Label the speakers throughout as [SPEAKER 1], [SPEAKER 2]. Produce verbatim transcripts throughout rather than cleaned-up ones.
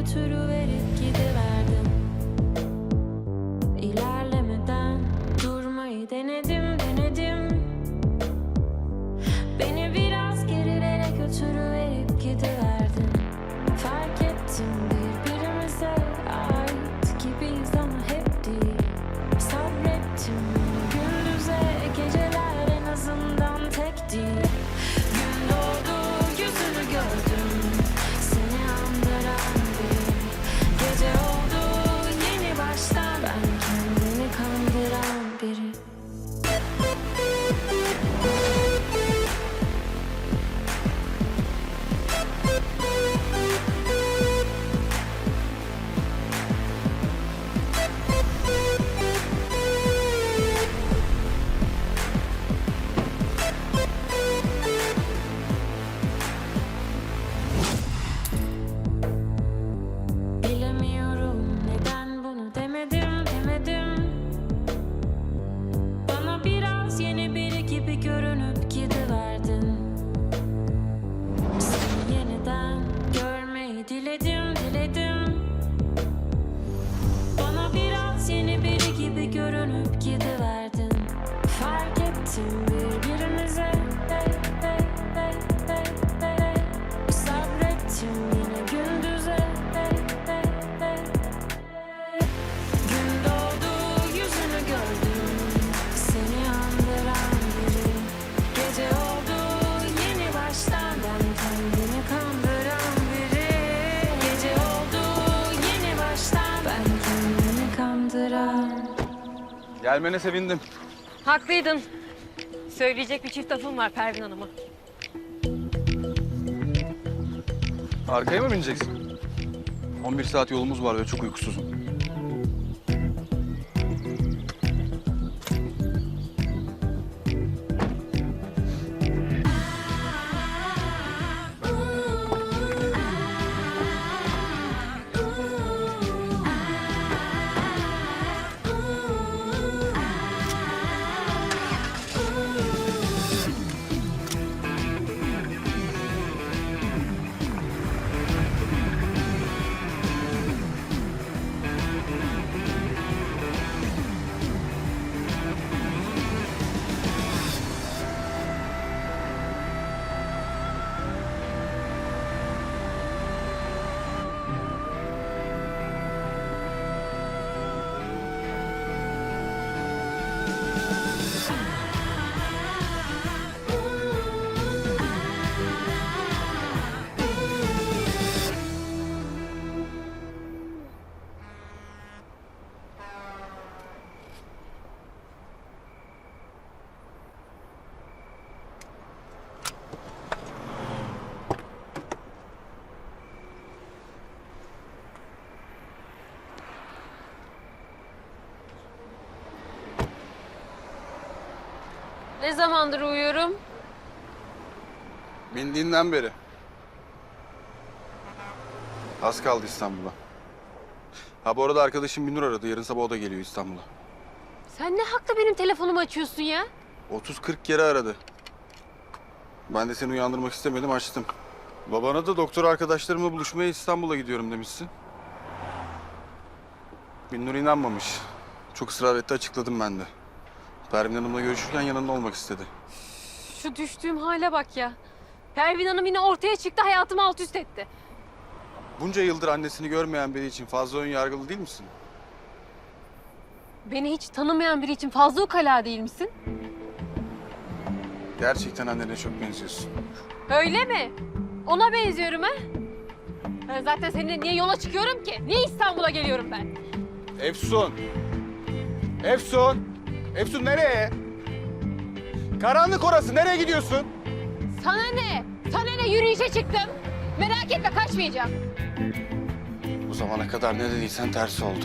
[SPEAKER 1] götürüverip gidiverdim. İlerlemeden durmayı denedim, denedim. Beni biraz gerilere götürüverip gidiverdin. Fark ettim birbirimize ait gibiyiz ama hep değil. Sabrettim gündüze, geceler en azından tek değil. Gün doğdu, yüzünü gördüm, seni andıran biri. Gece oldu, yeni baştan ben kendimi kandıran biri. Bilemiyorum neden bunu demedim, demedim. Bana biraz yeni biri gibi görünüp gidiverdin. Seni yeniden görmeyi diledim, diledim. Bana biraz yeni biri gibi görünüp gidiverdin. Fark ettim birbirimize, hey, hey, hey, hey, hey. Sabrettim yine gündüze, hey, hey, hey. Gün doğdu, yüzünü gördüm, seni andıran biri. Gece oldu, yeni baştan ben kendimi kandıran biri. Gece oldu, yeni baştan ben kendimi kandıran.
[SPEAKER 2] Gelmene sevindim.
[SPEAKER 3] Haklıydın. Söyleyecek bir çift lafım var Pervin Hanım'a.
[SPEAKER 2] Arkaya mı bineceksin? on bir saat yolumuz var ve çok uykusuzum.
[SPEAKER 3] Ne zamandır uyuyorum?
[SPEAKER 2] Bindiğinden beri. Az kaldı İstanbul'a. Ha bu arada arkadaşım Binur aradı. Yarın sabah o da geliyor İstanbul'a.
[SPEAKER 3] Sen ne hakla benim telefonumu açıyorsun ya?
[SPEAKER 2] otuz kırk kere aradı. Ben de seni uyandırmak istemedim, açtım. Babana da doktor arkadaşlarımla buluşmaya İstanbul'a gidiyorum demişsin. Binur inanmamış. Çok ısrar etti, açıkladım ben de. Pervin Hanım'la görüşürken yanında olmak istedi.
[SPEAKER 3] Şu düştüğüm hale bak ya. Pervin Hanım yine ortaya çıktı, hayatımı alt üst etti.
[SPEAKER 2] Bunca yıldır annesini görmeyen biri için fazla ön yargılı değil misin?
[SPEAKER 3] Beni hiç tanımayan biri için fazla ukala değil misin?
[SPEAKER 2] Gerçekten annene çok benziyorsun.
[SPEAKER 3] Öyle mi? Ona benziyorum ha? Ben zaten seninle niye yola çıkıyorum ki? Niye İstanbul'a geliyorum ben?
[SPEAKER 2] Efsun! Efsun! Efsun nereye? Karanlık orası, nereye gidiyorsun?
[SPEAKER 3] Sana ne? Sana ne? Yürüyüşe çıktım. Merak etme, kaçmayacağım.
[SPEAKER 2] Bu zamana kadar ne dediysen tersi oldu.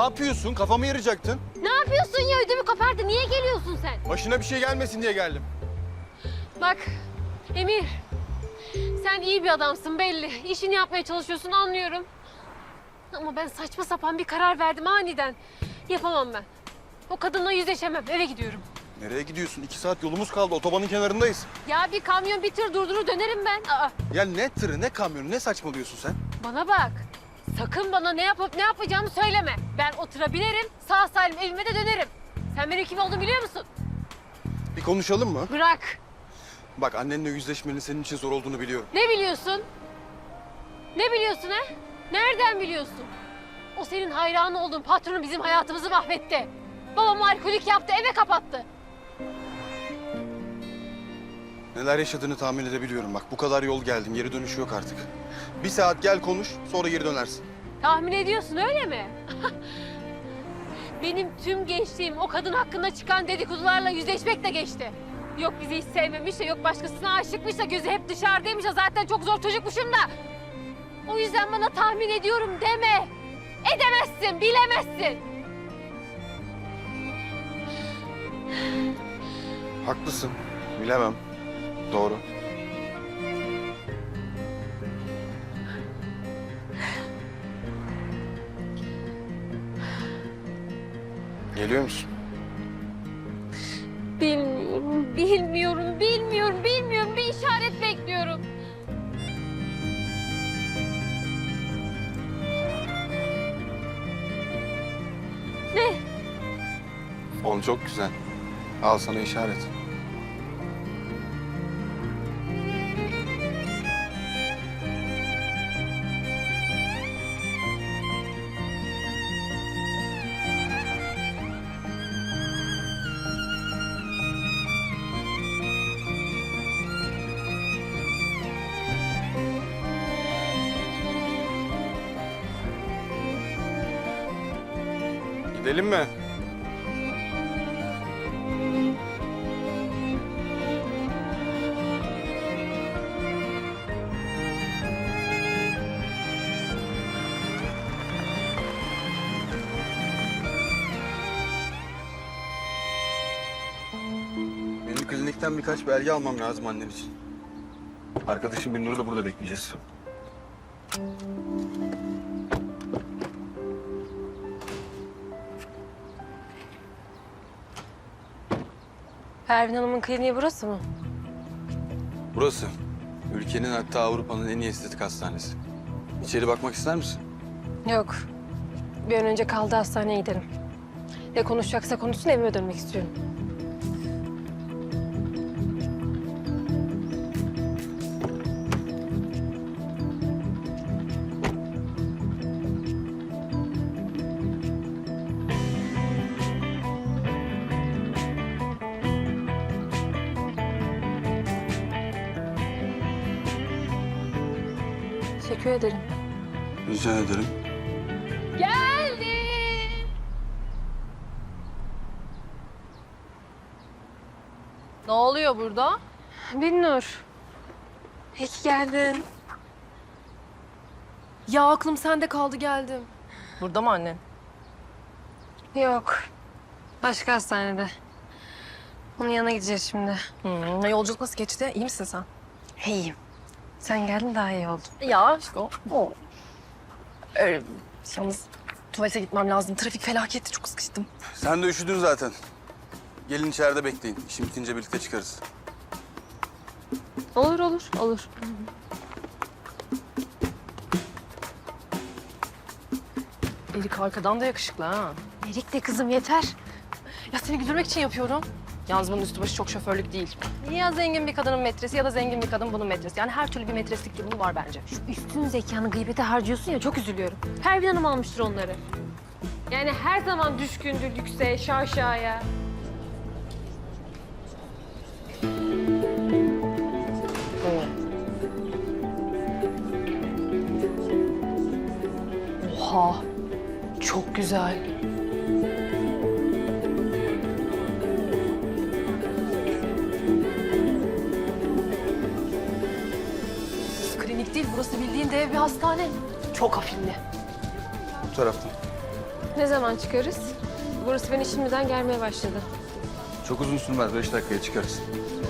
[SPEAKER 2] yapıyorsun? Kafamı yarayacaktın.
[SPEAKER 3] Ne yapıyorsun ya? Ödümü kopardı. Niye geliyorsun sen?
[SPEAKER 2] Başına bir şey gelmesin diye geldim.
[SPEAKER 3] Bak Emir, sen iyi bir adamsın belli. İşini yapmaya çalışıyorsun anlıyorum. Ama ben saçma sapan bir karar verdim aniden. Yapamam ben. O kadınla yüzleşemem. Eve gidiyorum.
[SPEAKER 2] Nereye gidiyorsun? İki saat yolumuz kaldı. Otobanın kenarındayız.
[SPEAKER 3] Ya bir kamyon bir tır durdurur dönerim ben. Aa,
[SPEAKER 2] Ya ne tırı, ne kamyonu, ne saçmalıyorsun sen?
[SPEAKER 3] bana bak. Sakın bana ne yapıp ne yapacağımı söyleme. Ben o tıra binerim, sağ salim evime de dönerim. Sen benim kim olduğumu biliyor musun?
[SPEAKER 2] Bir konuşalım mı?
[SPEAKER 3] Bırak.
[SPEAKER 2] Bak annenle yüzleşmenin senin için zor olduğunu biliyorum.
[SPEAKER 3] Ne biliyorsun? Ne biliyorsun ha? Nereden biliyorsun? O senin hayranı olduğun patronun bizim hayatımızı mahvetti. Babam alkolik yaptı, eve kapattı.
[SPEAKER 2] Neler yaşadığını tahmin edebiliyorum. Bak bu kadar yol geldin, geri dönüşü yok artık. Bir saat gel konuş, sonra geri dönersin.
[SPEAKER 3] Tahmin ediyorsun öyle mi? Benim tüm gençliğim o kadın hakkında çıkan dedikodularla yüzleşmekle geçti. Yok bizi hiç sevmemiş de, yok başkasına aşıkmış da, gözü hep dışarıdaymış da, zaten çok zor çocukmuşum da. O yüzden bana tahmin ediyorum deme. Edemezsin, bilemezsin.
[SPEAKER 2] Haklısın, bilemem. Doğru. Geliyor musun?
[SPEAKER 3] Bilmiyorum, bilmiyorum, bilmiyorum, bilmiyorum. Bir işaret bekliyorum. Ne?
[SPEAKER 2] Fon çok güzel. Al sana işaret. Gidelim mi? Benim klinikten birkaç belge almam lazım annen için. Arkadaşım Binnur'u da burada bekleyeceğiz.
[SPEAKER 3] Pervin Hanım'ın kliniği burası mı?
[SPEAKER 2] Burası. Ülkenin, hatta Avrupa'nın en iyi estetik hastanesi. İçeri bakmak ister misin?
[SPEAKER 3] Yok. Bir an önce kaldığı hastaneye gidelim. Ne konuşacaksa konuşsun, evime dönmek istiyorum. Teşekkür ederim.
[SPEAKER 2] Rica ederim.
[SPEAKER 3] Geldim.
[SPEAKER 4] Ne oluyor burada?
[SPEAKER 3] Binnur. İyi ki geldin.
[SPEAKER 4] Ya aklım sende kaldı geldim. Burada mı annen?
[SPEAKER 3] Yok. Başka hastanede. Onun yanına gideceğiz şimdi.
[SPEAKER 4] Hmm, yolculuk nasıl geçti? İyi misin sen?
[SPEAKER 3] İyiyim. Sen geldin daha iyi oldu.
[SPEAKER 4] Ya aşkım. O. Öyle, yalnız tuvalete gitmem lazım. Trafik felaketti, çok sıkıştım.
[SPEAKER 2] Sen de üşüdün zaten. Gelin içeride bekleyin. İşim bitince birlikte çıkarız.
[SPEAKER 3] Olur olur olur.
[SPEAKER 4] Erik arkadan da yakışıklı ha.
[SPEAKER 3] Erik de kızım yeter.
[SPEAKER 4] Ya seni güldürmek için yapıyorum. Yalnız bunun üstü başı çok şoförlük değil. Ya zengin bir kadının metresi ya da zengin bir kadın bunun metresi. Yani her türlü bir metreslik durumu var bence.
[SPEAKER 3] Şu üstün zekanı gıybete harcıyorsun ya, çok üzülüyorum. Pervin Hanım almıştır onları. Yani her zaman düşkündür lükse, şaşaya.
[SPEAKER 4] Oha, çok güzel. Klinik değil, burası bildiğin dev bir hastane. Çok afilli.
[SPEAKER 2] Bu taraftan.
[SPEAKER 3] Ne zaman çıkarız? Burası beni şimdiden germeye başladı.
[SPEAKER 2] Çok uzun sürmez. Beş dakikaya çıkarız.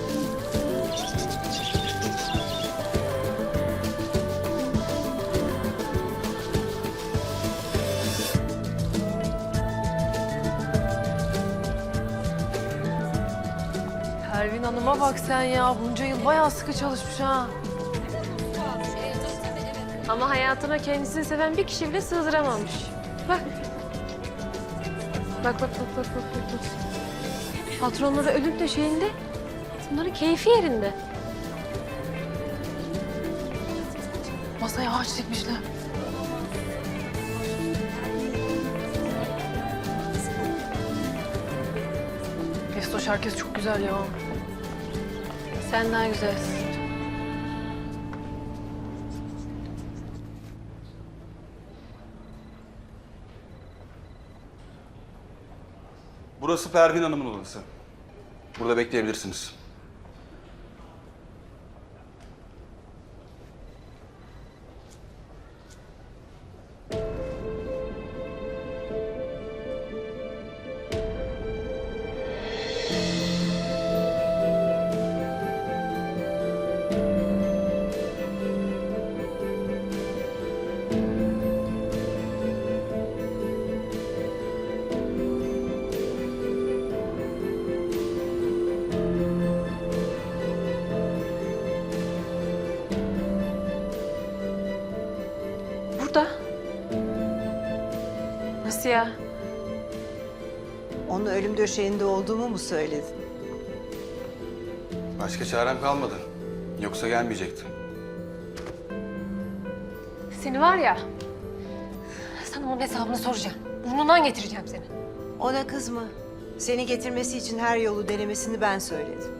[SPEAKER 4] Pervin Hanım'a bak sen ya. Bunca yıl bayağı sıkı çalışmış ha.
[SPEAKER 3] Ama hayatına kendisini seven bir kişi bile sığdıramamış. Bak. Bak bak bak bak bak bak. bak. Patronları ölüm döşeğinde, bunların keyfi yerinde.
[SPEAKER 4] Masaya ağaç dikmişler. Efsoş herkes çok güzel ya.
[SPEAKER 3] Sen daha güzelsin.
[SPEAKER 2] Burası Pervin Hanım'ın odası. Burada bekleyebilirsiniz.
[SPEAKER 3] Burada. Nasıl ya?
[SPEAKER 5] Onun ölüm döşeğinde olduğumu mu söyledin?
[SPEAKER 2] Başka çarem kalmadı. Yoksa gelmeyecekti.
[SPEAKER 3] Seni var ya, sana onun hesabını soracağım. Burnundan getireceğim seni.
[SPEAKER 5] Ona kızma. Seni getirmesi için her yolu denemesini ben söyledim.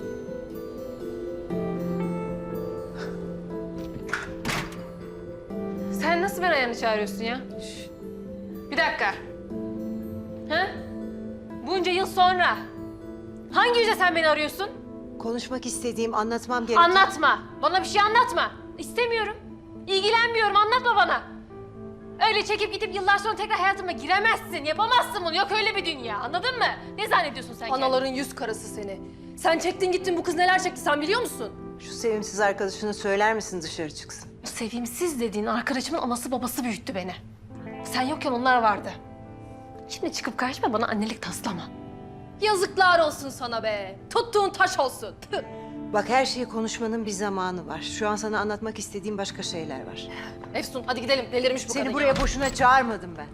[SPEAKER 3] Sen nasıl ben ayağını çağırıyorsun ya? Şş. Bir dakika. Ha? Bunca yıl sonra hangi yüzle sen beni arıyorsun?
[SPEAKER 5] Konuşmak istediğim, anlatmam gereken...
[SPEAKER 3] Anlatma. Bana bir şey anlatma. İstemiyorum. İlgilenmiyorum. Anlatma bana. Öyle çekip gidip yıllar sonra tekrar hayatıma giremezsin. Yapamazsın bunu. Yok öyle bir dünya. Anladın mı? Ne zannediyorsun sen kendini?
[SPEAKER 4] Anaların yüz karası seni. Sen çektin gittin, bu kız neler çekti sen biliyor musun?
[SPEAKER 5] Şu sevimsiz arkadaşına söyler misin dışarı çıksın?
[SPEAKER 3] Bu sevimsiz dediğin arkadaşımın anası babası büyüttü beni. Sen yokken onlar vardı. Şimdi çıkıp karşıma bana annelik taslama.
[SPEAKER 4] Yazıklar olsun sana be. Tuttuğun taş olsun. Tüh.
[SPEAKER 5] Bak, her şeyi konuşmanın bir zamanı var. Şu an sana anlatmak istediğim başka şeyler var.
[SPEAKER 4] Efsun hadi gidelim. Delirmiş bu
[SPEAKER 5] Seni
[SPEAKER 4] kadın
[SPEAKER 5] buraya
[SPEAKER 4] ya.
[SPEAKER 5] boşuna çağırmadım ben.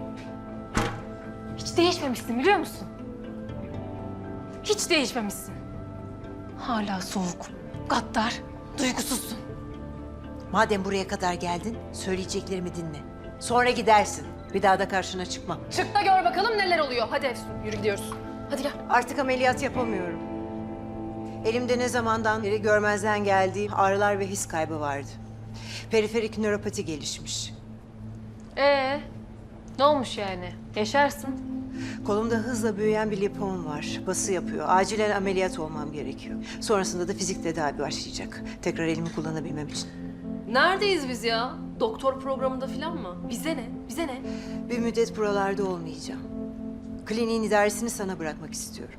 [SPEAKER 3] Hiç değişmemişsin biliyor musun? Hiç değişmemişsin. Hala soğuk, gaddar, duygusuzsun.
[SPEAKER 5] Madem buraya kadar geldin, söyleyeceklerimi dinle. Sonra gidersin. Bir daha da karşına çıkmam.
[SPEAKER 4] Çık da gör bakalım neler oluyor. Hadi Efsun yürü gidiyoruz. Hadi gel.
[SPEAKER 5] Artık ameliyat yapamıyorum. Elimde ne zamandan beri görmezden geldiğim ağrılar ve his kaybı vardı. Periferik nöropati gelişmiş.
[SPEAKER 3] Ee, ne olmuş yani? Yaşarsın.
[SPEAKER 5] Kolumda hızla büyüyen bir lipom var. Bası yapıyor. Acilen ameliyat olmam gerekiyor. Sonrasında da fizik tedavi başlayacak. Tekrar elimi kullanabilmem için.
[SPEAKER 4] Neredeyiz biz ya? Doktor programında falan mı? Bize ne? Bize ne?
[SPEAKER 5] Bir müddet buralarda olmayacağım. Kliniğin idaresini sana bırakmak istiyorum.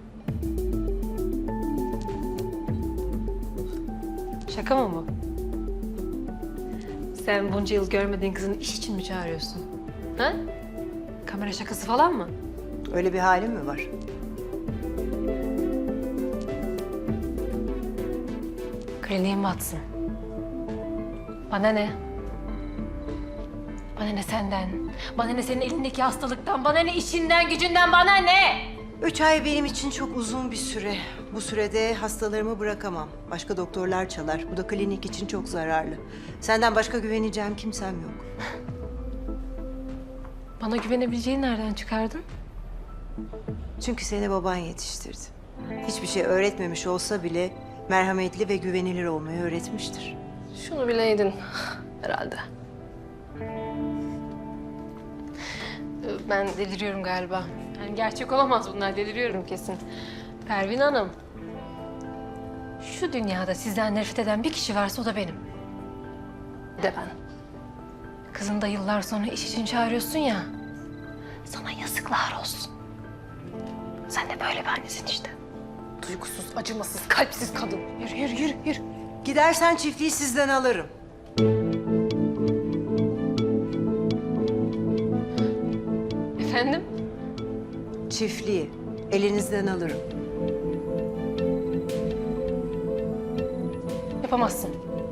[SPEAKER 3] Şaka mı bu? Sen bunca yıl görmediğin kızını iş için mi çağırıyorsun? Ha? Kamera şakası falan mı?
[SPEAKER 5] Öyle bir halim mi var?
[SPEAKER 3] Kliniğin batsın. Bana ne? Bana ne senden? Bana ne senin elindeki hastalıktan? Bana ne işinden, gücünden? Bana ne?
[SPEAKER 5] Üç ay benim için çok uzun bir süre. Bu sürede hastalarımı bırakamam. Başka doktorlar çalar. Bu da klinik için çok zararlı. Senden başka güveneceğim kimsem yok.
[SPEAKER 3] Bana güvenebileceğini nereden çıkardın?
[SPEAKER 5] Çünkü seni baban yetiştirdi. Hiçbir şey öğretmemiş olsa bile merhametli ve güvenilir olmayı öğretmiştir.
[SPEAKER 4] Şunu bileydin herhalde.
[SPEAKER 3] Ben deliriyorum galiba. Yani gerçek olamaz bunlar, deliriyorum kesin. Pervin Hanım, şu dünyada sizden nefret eden bir kişi varsa o da benim.
[SPEAKER 4] De ben.
[SPEAKER 3] Kızını da yıllar sonra iş için çağırıyorsun ya.
[SPEAKER 4] Sana yazıklar olsun. Sen de böyle bir annesin işte. Duygusuz, acımasız, kalpsiz kadın. Yürü, yürü, yürü, yürü.
[SPEAKER 5] Gidersen çiftliği sizden alırım.
[SPEAKER 3] Efendim?
[SPEAKER 5] Çiftliği elinizden alırım.
[SPEAKER 4] Yapamazsın.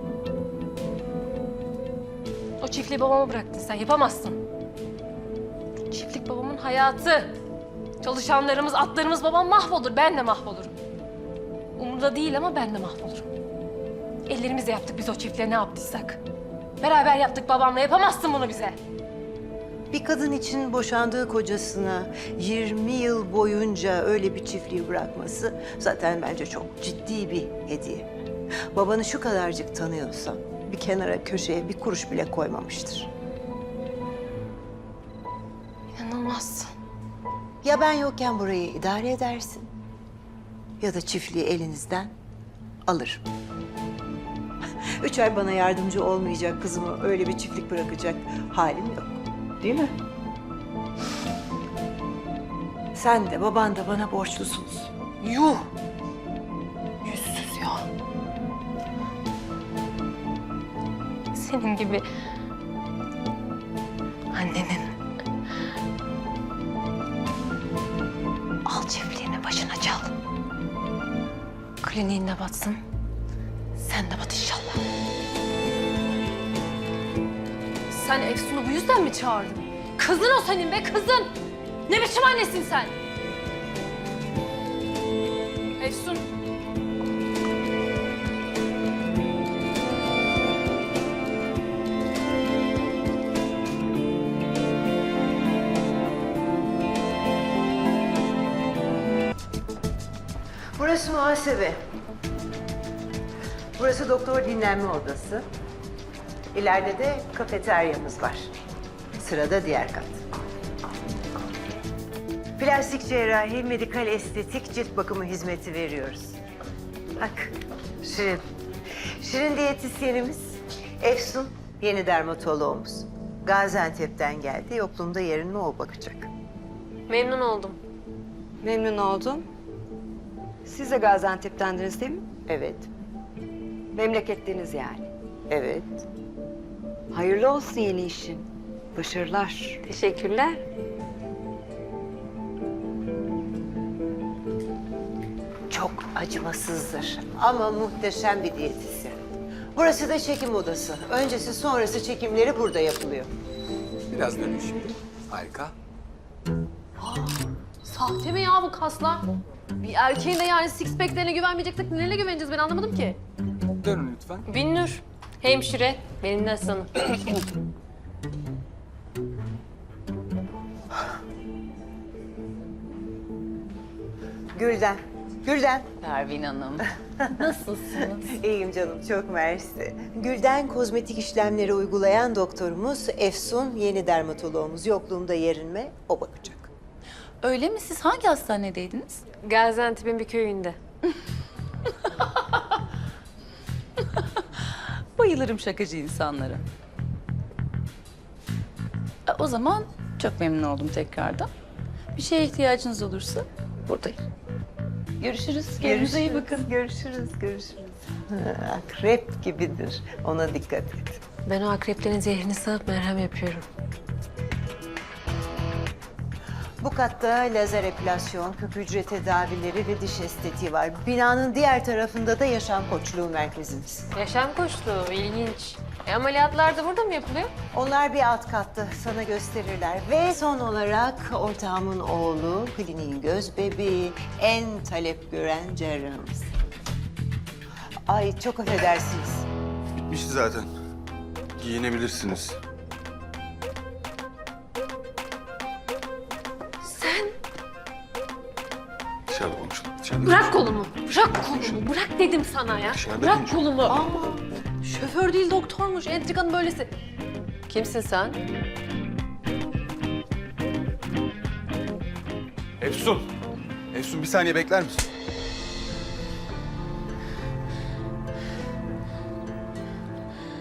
[SPEAKER 4] O çiftliği babama bıraktın sen, yapamazsın. Çiftlik babamın hayatı. Çalışanlarımız, atlarımız, babam mahvolur, ben de mahvolurum. Umurda değil ama ben de mahvolurum. Ellerimizle yaptık biz o çiftliğe ne yaptıysak. Beraber yaptık babamla, yapamazsın bunu bize.
[SPEAKER 5] Bir kadın için boşandığı kocasına yirmi yıl boyunca öyle bir çiftliği bırakması zaten bence çok ciddi bir hediye. Babanı şu kadarcık tanıyorsan bir kenara köşeye bir kuruş bile koymamıştır.
[SPEAKER 4] İnanılmazsın.
[SPEAKER 5] Ya ben yokken burayı idare edersin ya da çiftliği elinizden alırım. Üç ay bana yardımcı olmayacak kızımı öyle bir çiftlik bırakacak halim yok. Değil mi? Sen de baban da bana borçlusunuz.
[SPEAKER 4] Yuh! Yüzsüz ya. Senin gibi annenin al çiftliğini başına çal. Kliniğinde batsın. Sen de bat inşallah. Sen Efsun'u bu yüzden mi çağırdın? Kızın o senin be, kızın! Ne biçim annesin sen? Efsun.
[SPEAKER 5] Burası muhasebe. Burası doktor dinlenme odası. İleride de kafeteryamız var. Sırada diğer kat. Plastik cerrahi, medikal estetik, cilt bakımı hizmeti veriyoruz. Bak, Şirin. Şirin diyetisyenimiz, Efsun yeni dermatoloğumuz. Gaziantep'ten geldi, yokluğumda yerine o bakacak.
[SPEAKER 3] Memnun oldum.
[SPEAKER 6] Memnun oldum. Siz de Gaziantep'tendiniz değil mi?
[SPEAKER 5] Evet,
[SPEAKER 6] Memleketliniz yani.
[SPEAKER 5] evet.
[SPEAKER 6] Hayırlı olsun yeni işin. Başarılar.
[SPEAKER 3] Teşekkürler.
[SPEAKER 5] Çok acımasızdır ama muhteşem bir diyetisyen. Burası da çekim odası. Öncesi sonrası çekimleri burada yapılıyor.
[SPEAKER 7] Biraz dönün şimdi. Harika.
[SPEAKER 4] Sahte mi ya bu kaslar? Bir erkeğin de yani six pack'lerine güvenmeyeceksek nelerine güveneceğiz ben anlamadım ki.
[SPEAKER 7] Dönün lütfen.
[SPEAKER 3] Binnur, hemşire, benim de asistanım.
[SPEAKER 5] Gülden, Gülden.
[SPEAKER 8] Pervin Hanım. Nasılsınız?
[SPEAKER 5] İyiyim canım, çok mersi. Gülden kozmetik işlemleri uygulayan doktorumuz, Efsun yeni dermatoloğumuz. Yokluğumda yerinme, o bakacak.
[SPEAKER 8] Öyle mi? Siz hangi hastanedeydiniz?
[SPEAKER 3] Gaziantep'in bir köyünde.
[SPEAKER 8] Bayılırım şakacı insanlara. E, O zaman çok memnun oldum tekrardan. Bir şeye ihtiyacınız olursa buradayım. Görüşürüz. Kendinize iyi bakın.
[SPEAKER 5] Görüşürüz, görüşürüz. Akrep gibidir, ona dikkat et.
[SPEAKER 3] Ben o akreplerin zehrini sağıp merhem yapıyorum.
[SPEAKER 5] Bu katta lazer epilasyon, küp hücre tedavileri ve diş estetiği var. Binanın diğer tarafında da yaşam koçluğu merkezimiz.
[SPEAKER 3] Yaşam koçluğu, ilginç. E, ameliyatlar da burada mı yapılıyor?
[SPEAKER 5] Onlar bir alt katta, sana gösterirler. Ve son olarak ortağımın oğlu, kliniğin göz bebeği, en talep gören cerrahımız. Ay çok affedersiniz.
[SPEAKER 2] Bitmişti zaten. Giyinebilirsiniz.
[SPEAKER 3] Sen
[SPEAKER 2] Dışarıda konuşalım. Dışarıda
[SPEAKER 3] bırak kolumu, bırak kolumu, bırak dedim sana ya.
[SPEAKER 2] Dışarıda
[SPEAKER 3] Bırak
[SPEAKER 2] konuşalım.
[SPEAKER 3] kolumu.
[SPEAKER 4] Aa, şoför değil doktormuş. Entrikanın böylesi.
[SPEAKER 3] Kimsin sen?
[SPEAKER 2] Efsun. Efsun bir saniye bekler misin?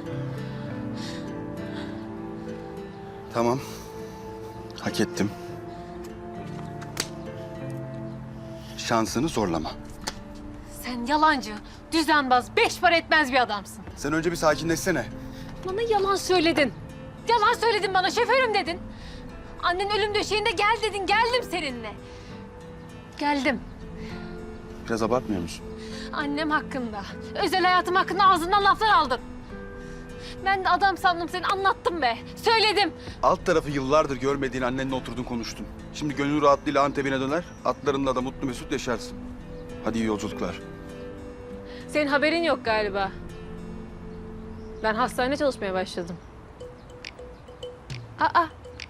[SPEAKER 2] Tamam. Hak ettim. şansını zorlama.
[SPEAKER 3] Sen yalancı, düzenbaz, beş para etmez bir adamsın.
[SPEAKER 2] Sen önce bir sakinleşsene.
[SPEAKER 3] Bana yalan söyledin. Yalan söyledin bana, şoförüm dedin. Annen ölüm döşeğinde gel dedin, geldim seninle. Geldim.
[SPEAKER 2] Biraz abartmıyor musun?
[SPEAKER 3] Annem hakkında, özel hayatım hakkında ağzından laflar aldın. Ben de adam sandım seni, anlattım be. Söyledim.
[SPEAKER 2] Alt tarafı yıllardır görmediğin annenle oturdun konuştun. Şimdi gönül rahatlığıyla Antep'ine döner, atlarınla da mutlu mesut yaşarsın. Hadi iyi yolculuklar.
[SPEAKER 3] Senin haberin yok galiba. Ben hastanede çalışmaya başladım. Aa.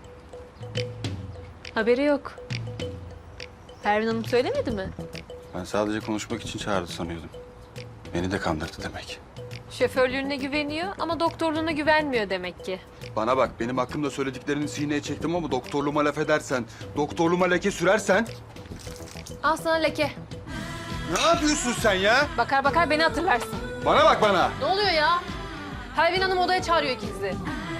[SPEAKER 3] Haberi yok. Pervin Hanım söylemedi mi?
[SPEAKER 2] Ben sadece konuşmak için çağırdı sanıyordum. Beni de kandırdı demek.
[SPEAKER 3] Şoförlüğüne güveniyor ama doktorluğuna güvenmiyor demek ki.
[SPEAKER 2] Bana bak, benim hakkımda söylediklerini sineye çektim ama doktorluğuma laf edersen, doktorluğuma leke sürersen...
[SPEAKER 3] Al sana leke.
[SPEAKER 2] Ne yapıyorsun sen ya?
[SPEAKER 3] Bakar bakar beni hatırlarsın.
[SPEAKER 2] Bana bak bana.
[SPEAKER 4] Ne oluyor ya? Pervin Hanım odaya çağırıyor ikinizi.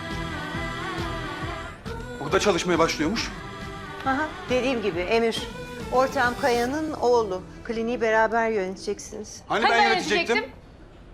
[SPEAKER 2] Burada çalışmaya başlıyormuş.
[SPEAKER 5] Aha, dediğim gibi Emir, ortağım Kaya'nın oğlu. Kliniği beraber yöneteceksiniz.
[SPEAKER 2] Hani
[SPEAKER 3] Hani
[SPEAKER 2] ben
[SPEAKER 3] ben
[SPEAKER 2] yönetecektim?
[SPEAKER 3] yönetecektim?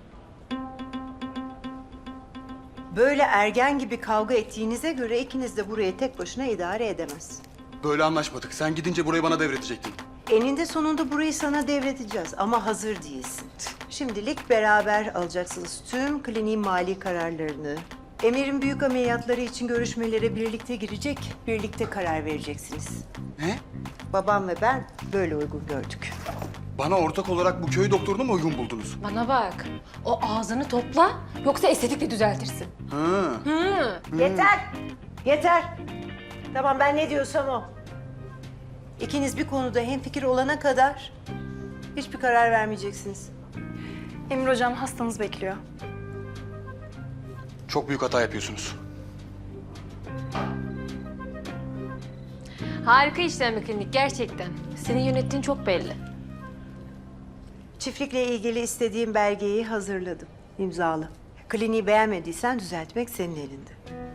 [SPEAKER 5] Böyle ergen gibi kavga ettiğinize göre ikiniz de burayı tek başına idare edemez.
[SPEAKER 2] Böyle anlaşmadık. Sen gidince burayı bana devredecektin.
[SPEAKER 5] Eninde sonunda burayı sana devredeceğiz ama hazır değilsin. Şimdilik beraber alacaksınız tüm kliniğin mali kararlarını. Emir'in büyük ameliyatları için görüşmelere birlikte girecek, birlikte karar vereceksiniz.
[SPEAKER 2] Ne?
[SPEAKER 5] Babam ve ben böyle uygun gördük.
[SPEAKER 2] Bana ortak olarak bu köy doktorunu mu uygun buldunuz?
[SPEAKER 4] Bana bak. O ağzını topla yoksa estetikle düzeltirsin.
[SPEAKER 2] Ha.
[SPEAKER 4] Hı.
[SPEAKER 5] Yeter! Yeter! Tamam, ben ne diyorsam o. İkiniz bir konuda hemfikir olana kadar hiçbir karar vermeyeceksiniz.
[SPEAKER 9] Emir hocam hastanız bekliyor.
[SPEAKER 2] Çok büyük hata yapıyorsunuz.
[SPEAKER 3] Harika işlem bir klinik gerçekten. Senin yönettiğin çok belli.
[SPEAKER 5] Çiftlikle ilgili istediğim belgeyi hazırladım. İmzalı. Kliniği beğenmediysen düzeltmek senin elinde.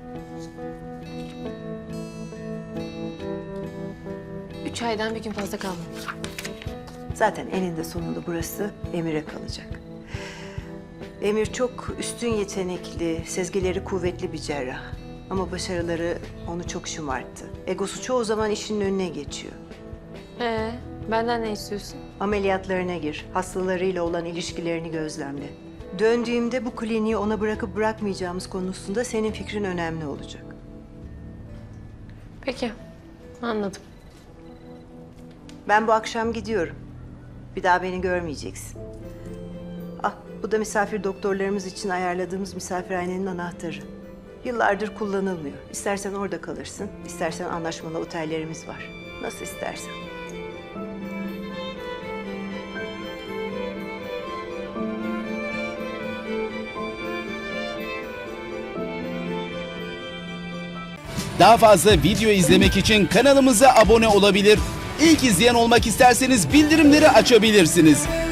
[SPEAKER 3] Üç aydan bir gün fazla kalmamış.
[SPEAKER 5] Zaten eninde sonunda burası Emir'e kalacak. Emir çok üstün yetenekli, sezgileri kuvvetli bir cerrah. Ama başarıları onu çok şımarttı. Egosu çoğu zaman işinin önüne geçiyor.
[SPEAKER 3] Ee, benden ne istiyorsun?
[SPEAKER 5] Ameliyatlarına gir, hastalarıyla olan ilişkilerini gözlemle. Döndüğümde bu kliniği ona bırakıp bırakmayacağımız konusunda senin fikrin önemli olacak.
[SPEAKER 3] Peki, anladım.
[SPEAKER 5] Ben bu akşam gidiyorum. Bir daha beni görmeyeceksin. Ah, bu da misafir doktorlarımız için ayarladığımız misafirhanenin anahtarı. Yıllardır kullanılmıyor. İstersen orada kalırsın, istersen anlaşmalı otellerimiz var. Nasıl istersen.
[SPEAKER 10] Daha fazla video izlemek için kanalımıza abone olabilir. İlk izleyen olmak isterseniz bildirimleri açabilirsiniz.